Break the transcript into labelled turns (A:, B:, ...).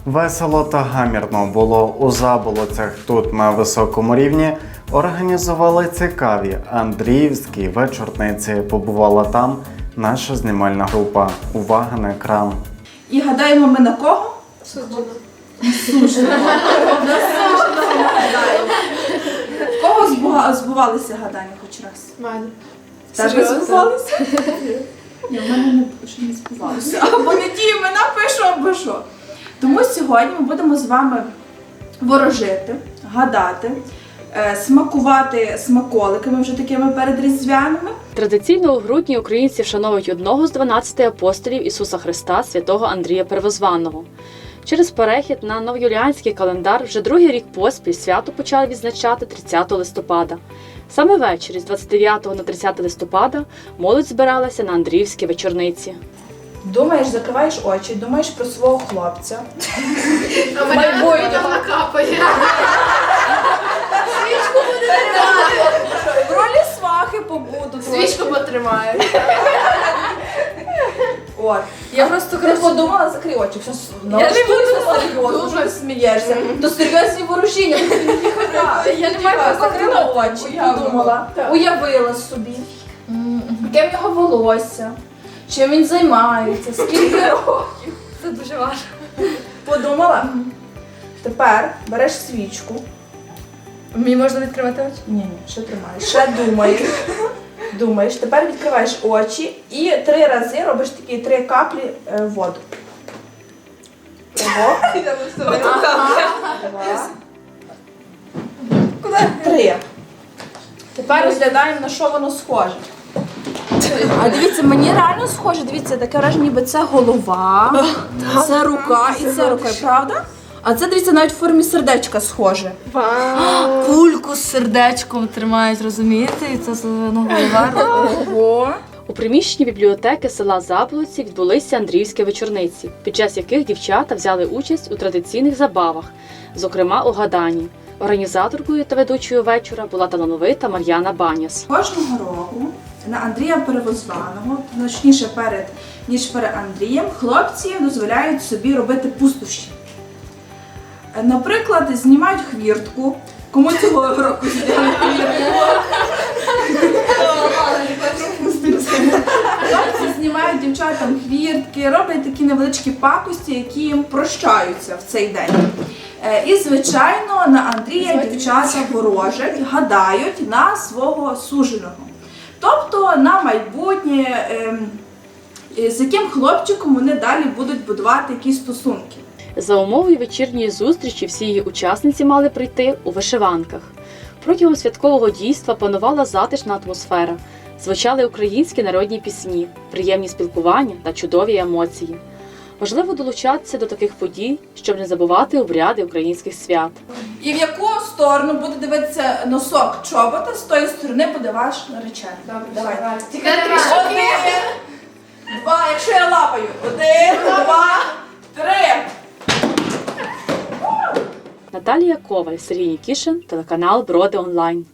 A: Весело та гамірно було у Заболоцях. Тут на високому рівні організували цікаві Андріївські вечорниці. Побувала там наша знімальна група. Увага на екран.
B: І гадаємо ми на кого? Суженого. В кого збувалися гадання хоч раз?
C: Мене.
B: Тебе збувалися? Ні, в мене ще не збувалося. Або не ті імена пишу, або що. Тому сьогодні ми будемо з вами ворожити, гадати, смакувати смаколиками вже такими передріздвяними.
D: Традиційно у грудні українці вшановують одного з 12 апостолів Ісуса Христа, святого Андрія Первозваного. Через перехід на новоюліанський календар вже другий рік поспіль свято почали відзначати 30 листопада. Саме ввечері з 29 на 30 листопада молодь збиралася на Андріївські вечорниці.
B: Думаєш, закриваєш очі, думаєш про свого хлопця.
C: А мене накапає. Свічку буде тримати.
B: В ролі свахи побуду.
C: Свічку потримає.
B: От.
C: Я просто
B: Ти подумала, закрий очі.
C: Я не буду
B: серйозно, дуже смієшся. То серйозні ворушіння.
C: Я не маю
B: Закрила очі, подумала, уявила собі, яке в нього волосся, чим він займається, скільки років.
C: Це дуже важко.
B: Подумала? Тепер береш свічку.
C: Мені можна відкривати очі?
B: Ні, ще тримаєш. Ще думаєш. Думаєш. Тепер відкриваєш очі і 3 рази робиш такі 3 каплі воду. Ого. 2. 3. Тепер розглядаємо, на що воно схоже. А дивіться, мені реально схоже, дивіться, таке враження, ніби це голова, це рука і це рука, правда? А це, дивіться, навіть в формі сердечка схоже.
C: Вау! Кульку з сердечком тримають, розумієте? І це голова.
B: Ого.
D: У приміщенні бібліотеки села Заболоці відбулися Андріївські вечорниці, під час яких дівчата взяли участь у традиційних забавах, зокрема у гаданні. Організаторкою та ведучою вечора була талановита Мар'яна Баняс.
B: Кожного року на Андрія Первозваного, точніше ніж перед Андрієм, хлопці дозволяють собі робити пустощі. Наприклад, знімають хвіртку. Кому цього року зняли хвіртку? Хлопці знімають дівчатам хвіртки, роблять такі невеличкі пакості, які їм прощаються в цей день. І, звичайно, на Андрія дівчата ворожать, гадають на свого суженого. Тобто на майбутнє, з яким хлопчиком вони далі будуть будувати якісь стосунки.
D: За умовою вечірньої зустрічі всі її учасниці мали прийти у вишиванках. Протягом святкового дійства панувала затишна атмосфера, звучали українські народні пісні, приємні спілкування та чудові емоції. Важливо долучатися до таких подій, щоб не забувати обряди українських свят.
B: І в яку сторону буде дивитися носок чобота, з тої сторони буде ваш наречений. Добре, давай.
C: Тільки трішки.
B: 1, 2, якщо я лапаю. 1, 2, 3.
D: Наталія Коваль, Сергій Нікішин, телеканал Броди Онлайн.